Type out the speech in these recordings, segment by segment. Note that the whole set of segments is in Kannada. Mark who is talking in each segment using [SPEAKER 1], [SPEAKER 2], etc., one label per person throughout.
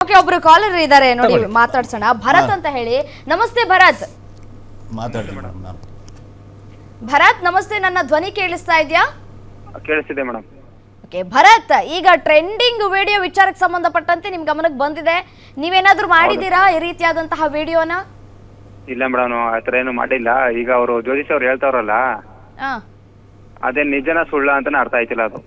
[SPEAKER 1] ಓಕೆ, ಒಬ್ರು ಕಾಲರ್ ಇದ್ದಾರೆ ನೋಡಿ, ಮಾತಾಡ್ಸೋಣ. ಭರತ್ ಅಂತ ಹೇಳಿ. ನಮಸ್ತೆ ಭರತ್.
[SPEAKER 2] ಮಾತಾಡಿ ಮೇಡಮ್.
[SPEAKER 1] ಭರತ್ ನಮಸ್ತೆ, ನನ್ನ ಧ್ವನಿ ಕೇಳಿಸ್ತಾ ಇದೆಯಾ?
[SPEAKER 3] ಕೇಳಿಸ್ತಿದೆ ಮೇಡಮ್.
[SPEAKER 1] ಓಕೆ ಭರತ್, ಈಗ ಟ್ರೆಂಡಿಂಗ್ ವಿಡಿಯೋ ವಿಚಾರಕ್ಕೆ ಸಂಬಂಧಪಟ್ಟಂತೆ ನಿಮ್ ಗಮನಕ್ಕೆ ಬಂದಿದೆ. ನೀವೇನಾದ್ರೂ ಮಾಡಿದೀರಾ ಈ ರೀತಿಯಾದಂತಹ ವಿಡಿಯೋನ?
[SPEAKER 3] ಇಲ್ಲ ಮೇಡಮ್, ಆತರ ಏನು ಮಾಡಿಲ್ಲ. ಈಗ ಅವರು ಜ್ಯೋತಿಷ್ ಅವ್ರು ಹೇಳ್ತಾವ್ರಲ್ಲ, ಅದೇ ನಿಜನ ಸುಳ್ಳ ಅಂತಾನೆ ಅರ್ಥ ಆಯ್ತಿಲ್ಲ ಅದು.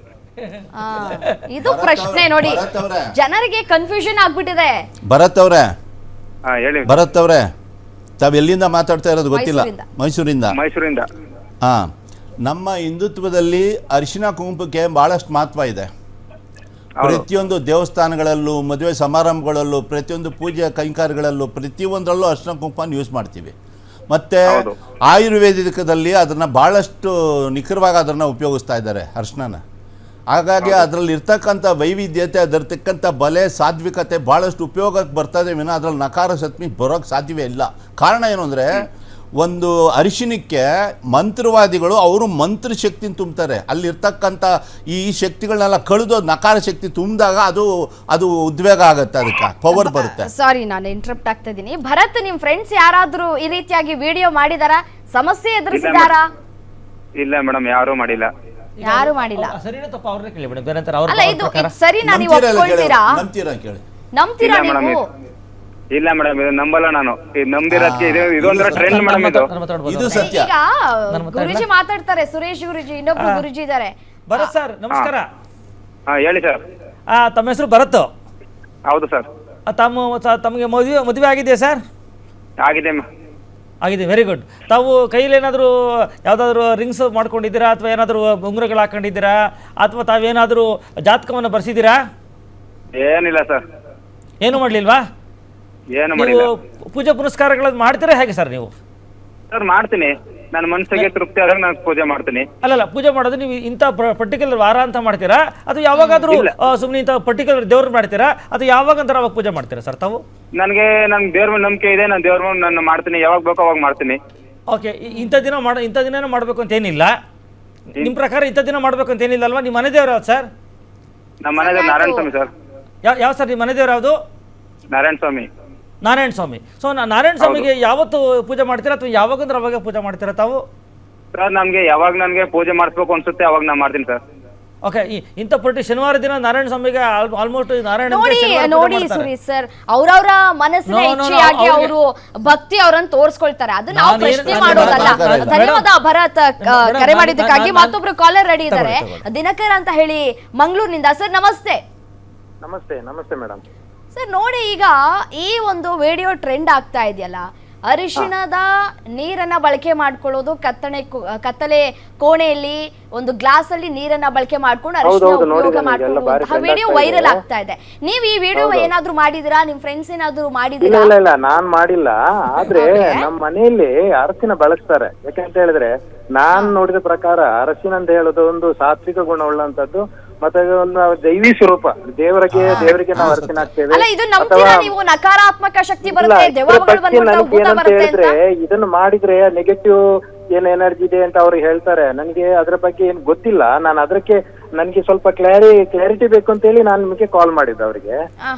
[SPEAKER 1] ಇದು ಪ್ರಶ್ನೆ ನೋಡಿ, ಜನರಿಗೆ ಕನ್ಫ್ಯೂಷನ್ ಆಗ್ಬಿಟ್ಟಿದೆ.
[SPEAKER 2] ಭರತ್ ಅವ್ರೆ,
[SPEAKER 3] ಹೇಳಿ.
[SPEAKER 2] ಭರತ್ ಅವ್ರೆ, ತಾವ್ ಎಲ್ಲಿಂದ ಮಾತಾಡ್ತಾ ಇರೋದು ಗೊತ್ತಿಲ್ಲ. ಮೈಸೂರಿಂದ. ಹಾ, ನಮ್ಮ ಹಿಂದುತ್ವದಲ್ಲಿ ಅರಿಶಿನ ಕುಂಕುಮಕ್ಕೆ ಬಹಳಷ್ಟು ಮಹತ್ವ ಇದೆ. ಪ್ರತಿಯೊಂದು ದೇವಸ್ಥಾನಗಳಲ್ಲೂ, ಮದುವೆ ಸಮಾರಂಭಗಳಲ್ಲೂ, ಪ್ರತಿಯೊಂದು ಪೂಜೆ ಕೈಂಕಾರ್ಯಗಳಲ್ಲೂ, ಪ್ರತಿಯೊಂದರಲ್ಲೂ ಅರಿಶಿನ ಕುಂಕುಮನ ಯೂಸ್ ಮಾಡ್ತೀವಿ. ಮತ್ತು ಆಯುರ್ವೇದಿಕದಲ್ಲಿ ಅದನ್ನು ಭಾಳಷ್ಟು ನಿಖರವಾಗಿ ಅದನ್ನು ಉಪಯೋಗಿಸ್ತಾ ಇದ್ದಾರೆ ಅರಿಶಿನ. ಹಾಗಾಗಿ ಅದರಲ್ಲಿ ಇರ್ತಕ್ಕಂಥ ವೈವಿಧ್ಯತೆ, ಅದರ ತಕ್ಕಂಥ ಬಲೆ, ಸಾತ್ವಿಕತೆ ಭಾಳಷ್ಟು ಉಪಯೋಗಕ್ಕೆ ಬರ್ತದೆ ವಿನ ಅದರಲ್ಲಿ ನಕಾರ ಸತ್ಮಿ ಬರೋಕ್ಕೆ ಸಾಧ್ಯವೇ ಇಲ್ಲ. ಕಾರಣ ಏನು ಅಂದರೆ, ಒಂದು ಅರಿಶಿನಕ್ಕೆ ಮಂತ್ರವಾದಿಗಳು ಅವರು ಮಂತ್ರ ಶಕ್ತಿನ ತುಂಬ್ತಾರೆ. ಅಲ್ಲಿರ್ತಕ್ಕಂಥ ಈ ಶಕ್ತಿಗಳನ್ನೆಲ್ಲ ಕಳೆದು ನಕಾರ ಶಕ್ತಿ ತುಂಬಿದಾಗ ಅದು ಉದ್ವೇಗ ಆಗುತ್ತೆ, ಅದಕ್ಕೆ ಪವರ್ ಬರುತ್ತೆ.
[SPEAKER 1] ಸಾರಿ, ನಾನು ಇಂಟರಪ್ಟ್ ಆಗ್ತಾ ಇದ್ದೀನಿ. ಭರತ್, ನಿಮ್ ಫ್ರೆಂಡ್ಸ್ ಯಾರಾದ್ರೂ ಈ ರೀತಿಯಾಗಿ ವಿಡಿಯೋ ಮಾಡಿದಾರಾ? ಸಮಸ್ಯೆ ಎದುರಿಸಿದಾರಾ?
[SPEAKER 3] ಇಲ್ಲ ಮೇಡಮ್, ಯಾರು ಮಾಡಿಲ್ಲ.
[SPEAKER 1] ಯಾರು ಮಾಡಿಲ್ಲ.
[SPEAKER 4] ಸರಿನಾ ತಪ್ಪ ಅವ್ರನ್ನೇ ಕೇಳಿ ಮೇಡಮ್. ಬೇರೆ ಅಂತಾರೆ
[SPEAKER 1] ಅಲ್ಲ, ಇದು ಸರಿನಾ? ನೀವು ಒಪ್ಕೊಳ್ತೀರಾ? ನಂಬ್ತೀರಾ ನೀವು?
[SPEAKER 3] ಇಲ್ಲ ಮೇಡಮ್, ಇದು ನಂಬಲ್ಲ ನಾನು. ನಂಬಿರೋದಕ್ಕೆ ಇದೊಂದ್ರ ಟ್ರೆಂಡ್ ಮೇಡಮ್.
[SPEAKER 2] ಇದು ಸತ್ಯ.
[SPEAKER 1] ಈಗ ಗುರುಜಿ ಮಾತಾಡ್ತಾರೆ, ಸುರೇಶ್ ಗುರುಜಿ, ಇನ್ನೊಬ್ರು ಗುರುಜಿ ಇದ್ದಾರೆ.
[SPEAKER 4] ಭರತ್ ಸರ್ ನಮಸ್ಕಾರ.
[SPEAKER 3] ಹೇಳಿ ಸರ್.
[SPEAKER 4] ತಮ್ಮ ಹೆಸರು ಭರತ್?
[SPEAKER 3] ಹೌದು ಸರ್.
[SPEAKER 4] ತಮಗೆ ಮದುವೆ ಆಗಿದೆಯಾ ಸರ್?
[SPEAKER 3] ಆಗಿದೆ.
[SPEAKER 4] Very good. ತಾವು ಕೈಯಲ್ಲಿ ಏನಾದರೂ ಯಾವುದಾದ್ರೂ ರಿಂಗ್ಸ್ ಮಾಡ್ಕೊಂಡಿದ್ದೀರಾ, ಅಥವಾ ಏನಾದರೂ ಉಂಗುರಗಳು ಹಾಕೊಂಡಿದ್ದೀರಾ, ಅಥವಾ ತಾವೇನಾದರೂ ಜಾತಕವನ್ನು ಬರ್ಸಿದ್ದೀರಾ?
[SPEAKER 3] ಏನಿಲ್ಲ ಸರ್.
[SPEAKER 4] ಏನು ಮಾಡಲಿಲ್ವಾ?
[SPEAKER 3] ಏನು ಮಾಡಿಲ್ಲ.
[SPEAKER 4] ಪೂಜೆ ಪುನಸ್ಕಾರಗಳನ್ನು ಮಾಡ್ತೀರಾ ಹೇಗೆ ಸರ್ ನೀವು?
[SPEAKER 3] ಸರ್ ಮಾಡ್ತೀನಿ, ನನ್ನ ಮನಸ್ಸಿಗೆ ತೃಪ್ತಿ ಆದಾಗ ನಾನು ಪೂಜೆ ಮಾಡ್ತೀನಿ.
[SPEAKER 4] ಅಲ್ಲಲ್ಲ, ಪೂಜೆ ಮಾಡೋದು ನೀವು ಇಂಥ ಪರ್ಟಿಕ್ಯುಲರ್ ವಾರ ಅಂತ ಮಾಡ್ತೀರಾ, ಅಥವಾ ಯಾವಾಗಾದ್ರೂ ಸುಮ್ಮನೆ ಇಂಥ ಪರ್ಟಿಕ್ಯುಲರ್ ದೇವ್ರು ಮಾಡ್ತೀರಾ, ಅಥವಾ ಯಾವಾಗ ಅಂತ ಅವಾಗ ಪೂಜೆ ಮಾಡ್ತೀರಾ ಸರ್ ತಾವು?
[SPEAKER 3] ನನಗೆ ನನ್ನ ದೇವ್ರ ಮೇಲೆ ನಂಬಿಕೆ ಇದೆ, ನಾನು ದೇವ್ರ ಮೇಲೆ ನಾನು ಮಾಡ್ತೀನಿ, ಯಾವಾಗ ಬೇಕೋ ಅವಾಗ ಮಾಡ್ತೀನಿ.
[SPEAKER 4] ಓಕೆ, ಇಂಥ ದಿನ ಮಾಡಬೇಕು ಅಂತ ಏನಿಲ್ಲ. ನಿಮ್ಮ ಪ್ರಕಾರ ಇಂಥ ದಿನ ಮಾಡಬೇಕು ಅಂತ ಏನಿಲ್ಲ ಅಲ್ವಾ? ನಿಮ್ಮ ಮನೆ ದೇವ್ರು ಯಾವ್ದು ಸರ್?
[SPEAKER 3] ನಮ್ಮ ಮನೆ ದೇವ್ರು ನಾರಾಯಣ ಸ್ವಾಮಿ ಸರ್.
[SPEAKER 4] ಯಾವ ಸರ್ ನಿಮ್ಮ ಮನೆ ದೇವ್ರು ಯಾವುದು?
[SPEAKER 3] ನಾರಾಯಣ ಸ್ವಾಮಿ.
[SPEAKER 4] ಸೊ ನಾರಾಯಣ ಸ್ವಾಮಿಗೆ ಯಾವತ್ತು ಪೂಜೆ ಮಾಡ್ತೀರಾ, ಅಥವಾ ಯಾವಾಗಂದ್ರೆ ಅವಾಗ ಪೂಜೆ ಮಾಡ್ತೀರಾ ತಾವು?
[SPEAKER 3] ಸರ್ ನಮ್ಗೆ ಯಾವಾಗ ನನಗೆ ಪೂಜೆ ಮಾಡಿಸ್ಬೇಕು ಅನ್ಸುತ್ತೆ ಅವಾಗ ನಾನು ಮಾಡ್ತೀನಿ ಸರ್.
[SPEAKER 4] ಓಕೆ, ಇಂಥ ಶನಿವಾರ ದಿನ ನಾರಾಯಣ ಸ್ವಾಮಿಗೆ ಆಲ್ಮೋಸ್ಟ್ ನಾರಾಯಣ
[SPEAKER 1] ನೋಡಿ ಸುರೇಶ್ ಸರ್, ಅವ್ರವ್ರ ಮನಸ್ಸಿನ ಇಚ್ಛೆಯಾಗಿ ಅವರು ಭಕ್ತಿ ಅವರನ್ನು ತೋರಿಸ್ಕೊಳ್ತಾರೆ, ಅದು ನಾವು ಪ್ರಶ್ನೆ ಮಾಡೋದಲ್ಲ. ಧನ್ಯವಾದ ಭರತ್, ಕರೆ ಮಾಡಿದ್ದಕ್ಕಾಗಿ. ಮತ್ತೊಬ್ರು ಕಾಲರ್ ರೆಡಿ ಇದ್ದಾರೆ, ದಿನಕರ್ ಅಂತ ಹೇಳಿ ಮಂಗಳೂರಿನಿಂದ. ಸರ್ ನಮಸ್ತೆ.
[SPEAKER 3] ನಮಸ್ತೆ ಮೇಡಮ್.
[SPEAKER 1] ಸರ್ ನೋಡಿ, ಈಗ ಈ ಒಂದು ವಿಡಿಯೋ ಟ್ರೆಂಡ್ ಆಗ್ತಾ ಇದೆಯಲ್ಲ, ಅರಿಶಿಣದ ನೀರನ್ನ ಬಳಕೆ ಮಾಡ್ಕೊಳ್ಳೋದು, ಕತ್ತಲೆ ಕೋಣೆಯಲ್ಲಿ ಒಂದು ಗ್ಲಾಸ್ ಅಲ್ಲಿ ನೀರನ್ನ ಬಳಕೆ ಮಾಡ್ಕೊಂಡು ಅರಿಶಿಣ ಉಪಯೋಗ ಮಾಡ್ಕೊಳ್ಳುವಂತಹ ವಿಡಿಯೋ ವೈರಲ್ ಆಗ್ತಾ ಇದೆ. ನೀವು ಈ ವಿಡಿಯೋ ಏನಾದ್ರೂ ಮಾಡಿದಿರಾ? ನಿಮ್ ಫ್ರೆಂಡ್ಸ್ ಏನಾದ್ರೂ ಮಾಡಿದಿರಾ?
[SPEAKER 5] ಇಲ್ಲ, ನಾನ್ ಮಾಡಿಲ್ಲ. ಆದ್ರೆ ನಮ್ಮ ಮನೆಯಲ್ಲಿ ಅರಸಿನ ಬಳಸ್ತಾರೆ. ಯಾಕಂತ ಹೇಳಿದ್ರೆ, ನಾನ್ ನೋಡಿದ ಪ್ರಕಾರ ಅರಸಿನ ಅಂತ ಹೇಳೋದು ಒಂದು ಸಾತ್ವಿಕ ಗುಣ ಉಳ್ಳಂತದ್ದು, ಮತ್ತೆ ಒಂದು ದೈವಿ ಸ್ವರೂಪ. ದೇವರಿಗೆ ನಾವು ಅರ್ಚನೆ ಹಾಕ್ತೇವೆ.
[SPEAKER 1] ನೀವು ನಕಾರಾತ್ಮಕ ಶಕ್ತಿ ಬರುತ್ತೆ,
[SPEAKER 5] ಹೇಳಿದ್ರೆ ಇದನ್ನು ಮಾಡಿದ್ರೆ ನೆಗೆಟಿವ್ ಏನ್ ಎನರ್ಜಿ ಇದೆ ಅಂತ ಅವ್ರು ಹೇಳ್ತಾರೆ. ನನಗೆ ಅದ್ರ ಬಗ್ಗೆ ಏನ್ ಗೊತ್ತಿಲ್ಲ. ನಾನು ಅದಕ್ಕೆ ನನಗೆ ಸ್ವಲ್ಪ ಕ್ಲಾರಿಟಿ ಬೇಕು ಅಂತ ಹೇಳಿ ನಾನು ನಿಮಗೆ ಕಾಲ್ ಮಾಡಿದ್ದೆ ಅವರಿಗೆ.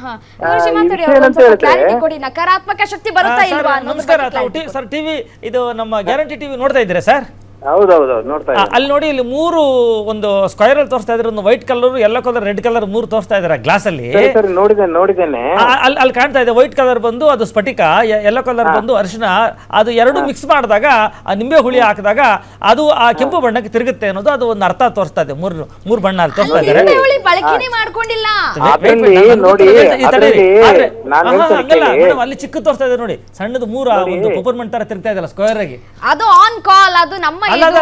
[SPEAKER 1] ನಕಾರಾತ್ಮಕ ಶಕ್ತಿ ಬರುತ್ತಾ ಇಲ್ವಾ?
[SPEAKER 4] ನಮಸ್ಕಾರ ಸರ್. ಟಿವಿ ಇದು ನಮ್ಮ ಗ್ಯಾರಂಟಿ ಟಿವಿ ನೋಡ್ತಾ ಇದ್ದೀರಾ ಸರ್?
[SPEAKER 5] ಹೌದೌದು, ನೋಡ್ತಾ ಇದ್ದೀನಿ.
[SPEAKER 4] ಅಲ್ಲಿ ನೋಡಿ, ಇಲ್ಲಿ 3 ಒಂದು ಸ್ಕ್ವೇರ್ ಅಲ್ಲಿ ತೋರಿಸ್ತಾ ಇದ್ರೆ, ಒಂದು white colour, yellow colour, red colour 3 ತೋರಿಸ್ತಾ ಇದಾರೆ ಗ್ಲಾಸ್ ಅಲ್ಲಿ.
[SPEAKER 5] ನೋಡಿದ್ದೇನೆ.
[SPEAKER 4] ಅಲ್ಲಿ ಕಾಣ್ತಾ ಇದೆ. ವೈಟ್ ಕಲರ್ ಬಂದು ಅದು ಸ್ಫಟಿಕ, ಯೆಲ್ಲೋ ಕಲರ್ ಬಂದು ಅರಿಶಿನ. ಅದು ಎರಡು ಮಿಕ್ಸ್ ಮಾಡಿದಾಗ, ಆ ನಿಂಬೆ ಹುಳಿ ಹಾಕಿದಾಗ ಅದು ಆ ಕೆಂಪು ಬಣ್ಣಕ್ಕೆ ತಿರುಗುತ್ತೆ ಅನ್ನೋದು ಅದು ಒಂದು ಅರ್ಥ ತೋರಿಸ್ತಾ ಇದೆ. ಮೂರು ಬಣ್ಣ ಅಲ್ಲಿ ತೋರಿಸ್ತಾ ಇದ್ದಾರೆ. ಅಲ್ಲಿ ಚಿಕ್ಕ ತೋರಿಸ್ತಾ ಇದೆ ನೋಡಿ, ಸಣ್ಣದು 3 ಒಂದು ಪೆಪರ್ಮೆಂಟ್ ತರ ತಿರುಗ್ತಾ ಇದೆಲ್ಲ ಸ್ಕ್ವೇರ್ ಆಗಿ.
[SPEAKER 1] ಅದು ಆನ್ ಕಾಲ್, ಅದು ನಮ್ಮ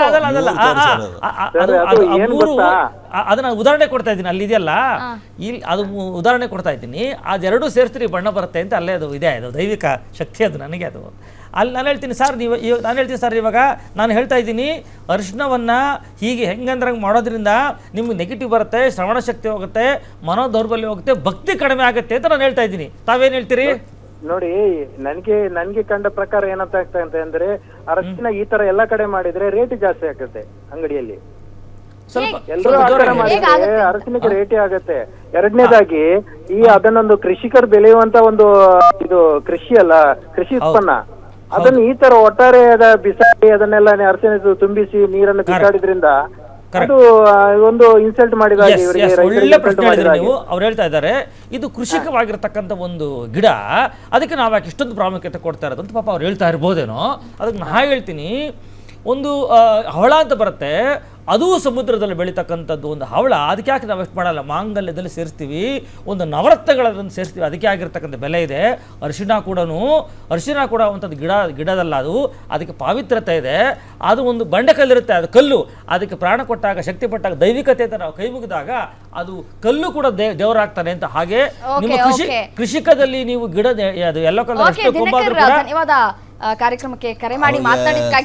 [SPEAKER 4] ಅದನ್ನ ಉದಾಹರಣೆ ಕೊಡ್ತಾ ಇದ್ದೀನಿ. ಅಲ್ಲಿ ಇದೆಯಲ್ಲ, ಇಲ್ಲಿ ಅದು ಉದಾಹರಣೆ ಕೊಡ್ತಾ ಇದ್ದೀನಿ. ಅದೆರಡೂ ಸೇರಿಸ್ತೀರಿ ಬಣ್ಣ ಬರುತ್ತೆ ಅಂತ. ಅಲ್ಲೇ ಅದು ಇದೆ, ಅದು ದೈವಿಕ ಶಕ್ತಿ. ಅದು ನನಗೆ ಅದು ಅಲ್ಲಿ ನಾನು ಹೇಳ್ತೀನಿ ಸರ್. ಇವಾಗ ನಾನು ಹೇಳ್ತಾ ಇದ್ದೀನಿ, ಅರಿಶಿಣವನ್ನು ಹೀಗೆ ಹೆಂಗಂದ್ರಂಗೆ ಮಾಡೋದ್ರಿಂದ ನಿಮ್ಗೆ ನೆಗೆಟಿವ್ ಬರುತ್ತೆ, ಶ್ರವಣ ಶಕ್ತಿ ಹೋಗುತ್ತೆ, ಮನೋದೌರ್ಬಲ್ಯ ಹೋಗುತ್ತೆ, ಭಕ್ತಿ ಕಡಿಮೆ ಆಗುತ್ತೆ ಅಂತ ನಾನು ಹೇಳ್ತಾ ಇದ್ದೀನಿ. ತಾವೇನು ಹೇಳ್ತೀರಿ?
[SPEAKER 5] ನೋಡಿ, ನನ್ಗೆ ಕಂಡ ಪ್ರಕಾರ ಏನಂತ ಆಗ್ತಾ ಅಂದ್ರೆ, ಅರಿಶಿನ ಈ ತರ ಎಲ್ಲಾ ಕಡೆ ಮಾಡಿದ್ರೆ ರೇಟ್ ಜಾಸ್ತಿ ಆಗುತ್ತೆ ಅಂಗಡಿಯಲ್ಲಿ.
[SPEAKER 4] ಸ್ವಲ್ಪ
[SPEAKER 5] ಎಲ್ಲರೂ ಆ ತರ ಮಾಡಿದ್ರೆ ಅರಸಿನಕ್ಕೆ ರೇಟೇ ಆಗತ್ತೆ. ಎರಡನೇದಾಗಿ ಅದನ್ನೊಂದು ಕೃಷಿಕರು ಬೆಳೆಯುವಂತ ಒಂದು ಇದು ಕೃಷಿ ಅಲ್ಲ, ಕೃಷಿ ಉತ್ಪನ್ನ. ಅದನ್ನ ಈ ತರ ಒಟ್ಟಾರೆ ಬಿಸಾಡಿ ಅದನ್ನೆಲ್ಲ ಅರಸಿನ ತುಂಬಿಸಿ ನೀರನ್ನು ಬಿಸಾಡಿದ್ರಿಂದ ಅದು ಒಂದು ಇನ್ಸಲ್ಟ್ ಮಾಡಿದ ಹಾಗೆ, ಇವರಿಗೆ
[SPEAKER 4] ಒಳ್ಳೆ ಪ್ರಶ್ನೆ ಹೇಳಿದ್ರೆ ನೀವು. ಅವ್ರು ಹೇಳ್ತಾ ಇದ್ದಾರೆ ಇದು ಕೃಷಿಕವಾಗಿರ್ತಕ್ಕಂಥ ಒಂದು ಗಿಡ, ಅದಕ್ಕೆ ನಾವು ಯಾಕೆ ಇಷ್ಟೊಂದು ಪ್ರಾಮುಖ್ಯತೆ ಕೊಡ್ತಾ ಇರೋದು ಅಂತ ಪಾಪ ಅವ್ರು ಹೇಳ್ತಾ ಇರ್ಬೋದೇನೋ. ಅದಕ್ಕೆ ನಾ ಹೇಳ್ತೀನಿ, ಒಂದು ಹವಳ ಅಂತ ಬರುತ್ತೆ, ಅದು ಸಮುದ್ರದಲ್ಲಿ ಬೆಳೀತಕ್ಕಂಥದ್ದು ಒಂದು ಹವಳ. ಅದಕ್ಕೆ ಯಾಕೆ ನಾವು ಎಷ್ಟು ಮಾಡಲ್ಲ, ಮಾಂಗಲ್ಯದಲ್ಲಿ ಸೇರಿಸ್ತೀವಿ, ಒಂದು ನವರತ್ನಗಳನ್ನು ಸೇರಿಸ್ತೀವಿ, ಅದಕ್ಕೆ ಆಗಿರ್ತಕ್ಕಂಥ ಬೆಲೆ ಇದೆ. ಅರಿಶಿಣ ಕೂಡ ಒಂಥದ್ದು ಗಿಡದಲ್ಲ, ಅದಕ್ಕೆ ಪಾವಿತ್ರ್ಯತೆ ಇದೆ. ಅದು ಒಂದು ಬಂಡೆಕಲ್ಲಿರುತ್ತೆ, ಅದು ಕಲ್ಲು, ಅದಕ್ಕೆ ಪ್ರಾಣ ಕೊಟ್ಟಾಗ, ಶಕ್ತಿ ಪಟ್ಟಾಗ, ದೈವಿಕತೆ ಅಂತ ನಾವು ಕೈ ಮುಗಿದಾಗ ಅದು ಕಲ್ಲು ಕೂಡ ದೇವರಾಗ್ತಾನೆ ಅಂತ. ಹಾಗೆ ನಿಮ್ಮ ಕೃಷಿಕದಲ್ಲಿ ನೀವು ಗಿಡ ಅದು ಎಲ್ಲೋ ಕಲರ್
[SPEAKER 1] ಧನ್ಯವಾದ ಕಾರ್ಯಕ್ರಮಕ್ಕೆ ಕರೆ ಮಾಡಿ ಮಾತನಾಡಿದ